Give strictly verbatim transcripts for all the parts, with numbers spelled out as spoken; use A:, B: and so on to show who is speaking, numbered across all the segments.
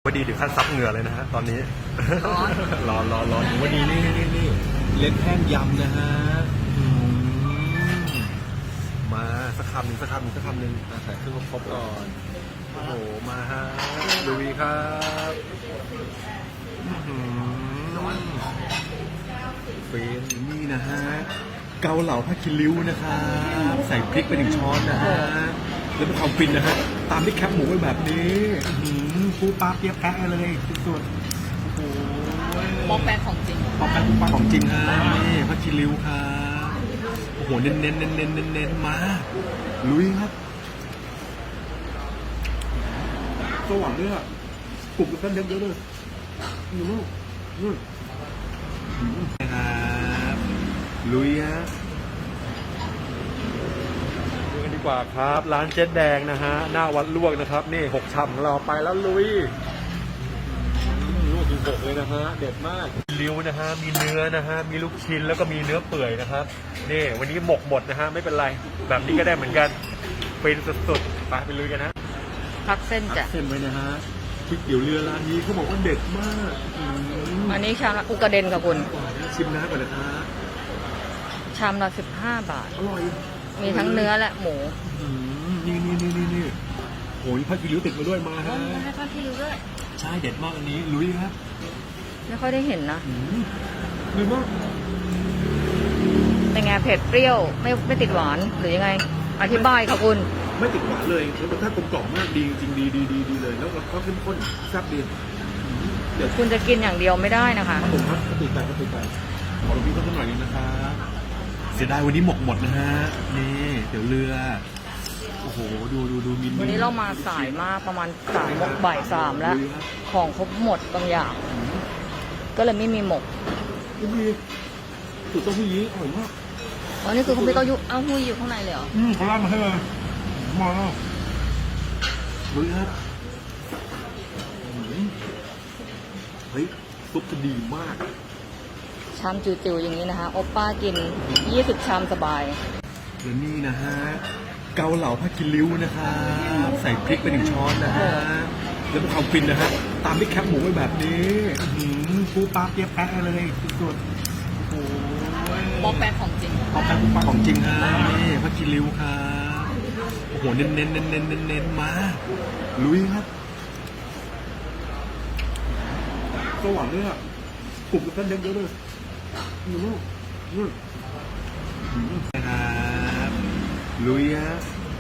A: ว่าดีถึงขั้นซับเหงื่อเลยนะฮะตอนนี้
B: ร้อน
A: ร้อนร้อนร้อนวันนี้นี่นี่นี่เล็ดแห้งยำนะฮะอืมมาสักคำหนึ่งสักคำหนึ่งสักคำหนึ่งอ่ะใส่เครื่องครบก่อนโอ้โหมาฮะลุยครับอื้อหือเป็นนี่นะฮะเกาเหลาผ้าคิริ้วนะครับใส่พริกไปหนึ่งช้อนนะฮะแล้วเป็นความฟินนะฮะตามด้วยแคบหมูไปแบบนี้อื้อหือปูปลาเปียกแปะเลยสุดๆโอ้โห
B: ป๊อกแป๊กของจริง
A: ปลาแป้งปลาของจริงฮะนี่พัชชิริวครับโอ้โหเน้นเน้นเน้นเน้นเน้นเน้นมาลุยครับสว่างด้วยอ่ะกลุ่มกันเยอะเยอะเลยนี่ลูกนี่ครับลุยฮะดูกันดีกว่าครับร้านเจ๊แดงนะฮะหน้าวัดลวกนะครับนี่หกชำของเราไปแล้วลุยลูกถึงหกเลยนะฮะเด็ดมากริ้วนะฮะมีเนื้อนะฮะมีลูกชิ้นแล้วก็มีเนื้อเปื่อยนะครับนี่วันนี้หมกหมดนะฮะไม่เป็นไรแบบนี้ก็ได้เหมือนกันเป็นสุดๆไปไปลุยกันนะ
B: พักเส้นจ้ะ
A: เส้นไว้นะฮะพริกเตี๋ยวเรือร้านนี้เขาบอกว่าเด็ดมากอืม
B: อันนี้ชามละอุกระเด็นกับคุณ
A: ชิมน้ำก่อนนะฮะ
B: ชามละสิบห้าบาท
A: อร่อย
B: มีทั้งเนื้อและหมู
A: อืมนี่นี่นี่นี่นี่โอ้ยพักกิริ้วติดมาด้วยมาฮะ
B: ให้ทอดที่ริ้วด้วย
A: ใช่เด็ดมากอันนี้ลุยครับ
B: ไม่ค่อยได้เห็นนะ
A: อืมดีมาก
B: เป็นไงเผ็ดเปรี้ยวไม่ไม่ติดหวานหรือยังไง อธิบายค่ะคุณ
A: ไม่ติดหวานเลยรสชาติกลมกล่อมมากดีจริงดีดีดีดีเลยแล้วก็เข้มข้นแซ่บดีเดี๋ยว
B: คุณจะกินอย่างเดียวไม่ได้นะคะ
A: ผมครับติดใจครับติดใจขอหลวงพี่เพิ่มหน่อยนึงนะครับเสียดายวันนี้หมกหมดนะฮะนี่เดี๋ยวเรือโอ้โหดูดูดูมิน
B: วันนี้เรามาสายมากประมาณสามโมงบ่ายสามแล้ว ของครบหมดบางอย่าง ก็เลยไม่มีหมก
A: ยังมีสูตรเต้าหู้ยี้อร่อยมาก
B: อ๋อนี่คือคุณพี่เต้ายุเอ้าหู้อยู่ข้างในเลยเหรอ
A: อืมเขาราดมาให้เลยมาลุยครับอืมเฮ้ยซุปจะดีมาก
B: ชามจิ๋วๆอย่างนี้นะคะโอป้ากินยี่สิบชามสบาย
A: และนี่นะฮะเกาเหลาผ้ากิริ้วนะครับใส่พริกไปหนึ่งช้อนนะฮะแล้วเป็นความฟินนะฮะตามด้วยแคบหมูไปแบบนี้อื้อหือปูปลาเปียกแปะเลยสุดๆโอ้ย
B: ป๊อกแป๊กของจริง
A: ปลาแป้งปูปลาของจริงฮะนี่ผ้ากิริ้วครับโอ้โหเน้นเน้นเน้นเน้นเน้นเน้นมาลุยครับสว่างด้วยอ่ะกลุ่มกันเยอะเยอะเลยนี่ลูกนี่ครับลุยฮะ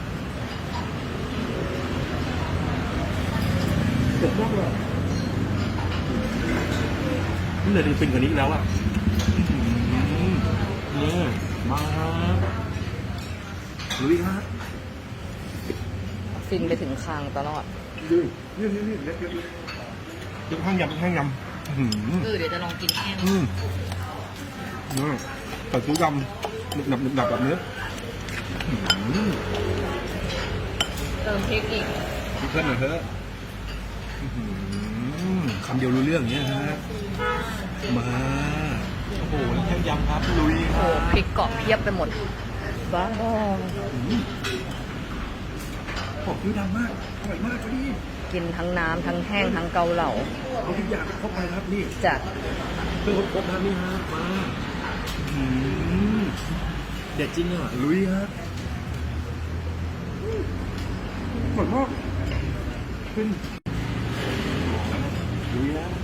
A: เด็ดมากเลยนี่เลยเป็นกว่านี้แล้วอ่ะนี่มาครับลุยฮะ
B: ฟินไปถึงคางตลอด
A: ดูนี่นี่นี่เล็กเล็กเล็กยังข้างยำยังข้างยำอืม
B: เออเดี๋ยวจะลองกินแห้ง
A: อืมนี่ใส่ซื้อยำหนึบหนับหนึบหนับแบบนี้อืม
B: เติมพริกอีก
A: พี่เพื่อนหน่อยเถอะอื้อหือคำเดียวรู้เรื่องอย่างเงี้ยฮะมาโอ้โหแล้วแค่ยำครับลุยค
B: โอ้
A: รับ
B: พริกเกาะเพียบไปหมดบ้า
A: ของคือดังมากอร่อยมากพอดี
B: กินทั้งน้ำทั้งแห้งทั้งเกาเหลา
A: เอาทุกอย่างเข้าไปครับนี่
B: จะ
A: เพื่อครบๆนะนี่ฮะมาอื้อหือเด็ดจริงอ่ะลุยฮะอร่อยมากขึ้นลุยฮะ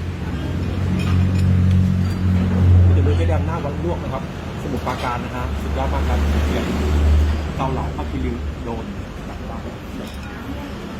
A: จะดูแค่แดมหน้าวัดลวกนะครับ สมุทรปราการนะฮะสุดยอดมากครับเกาเหลาพักกิริวโดน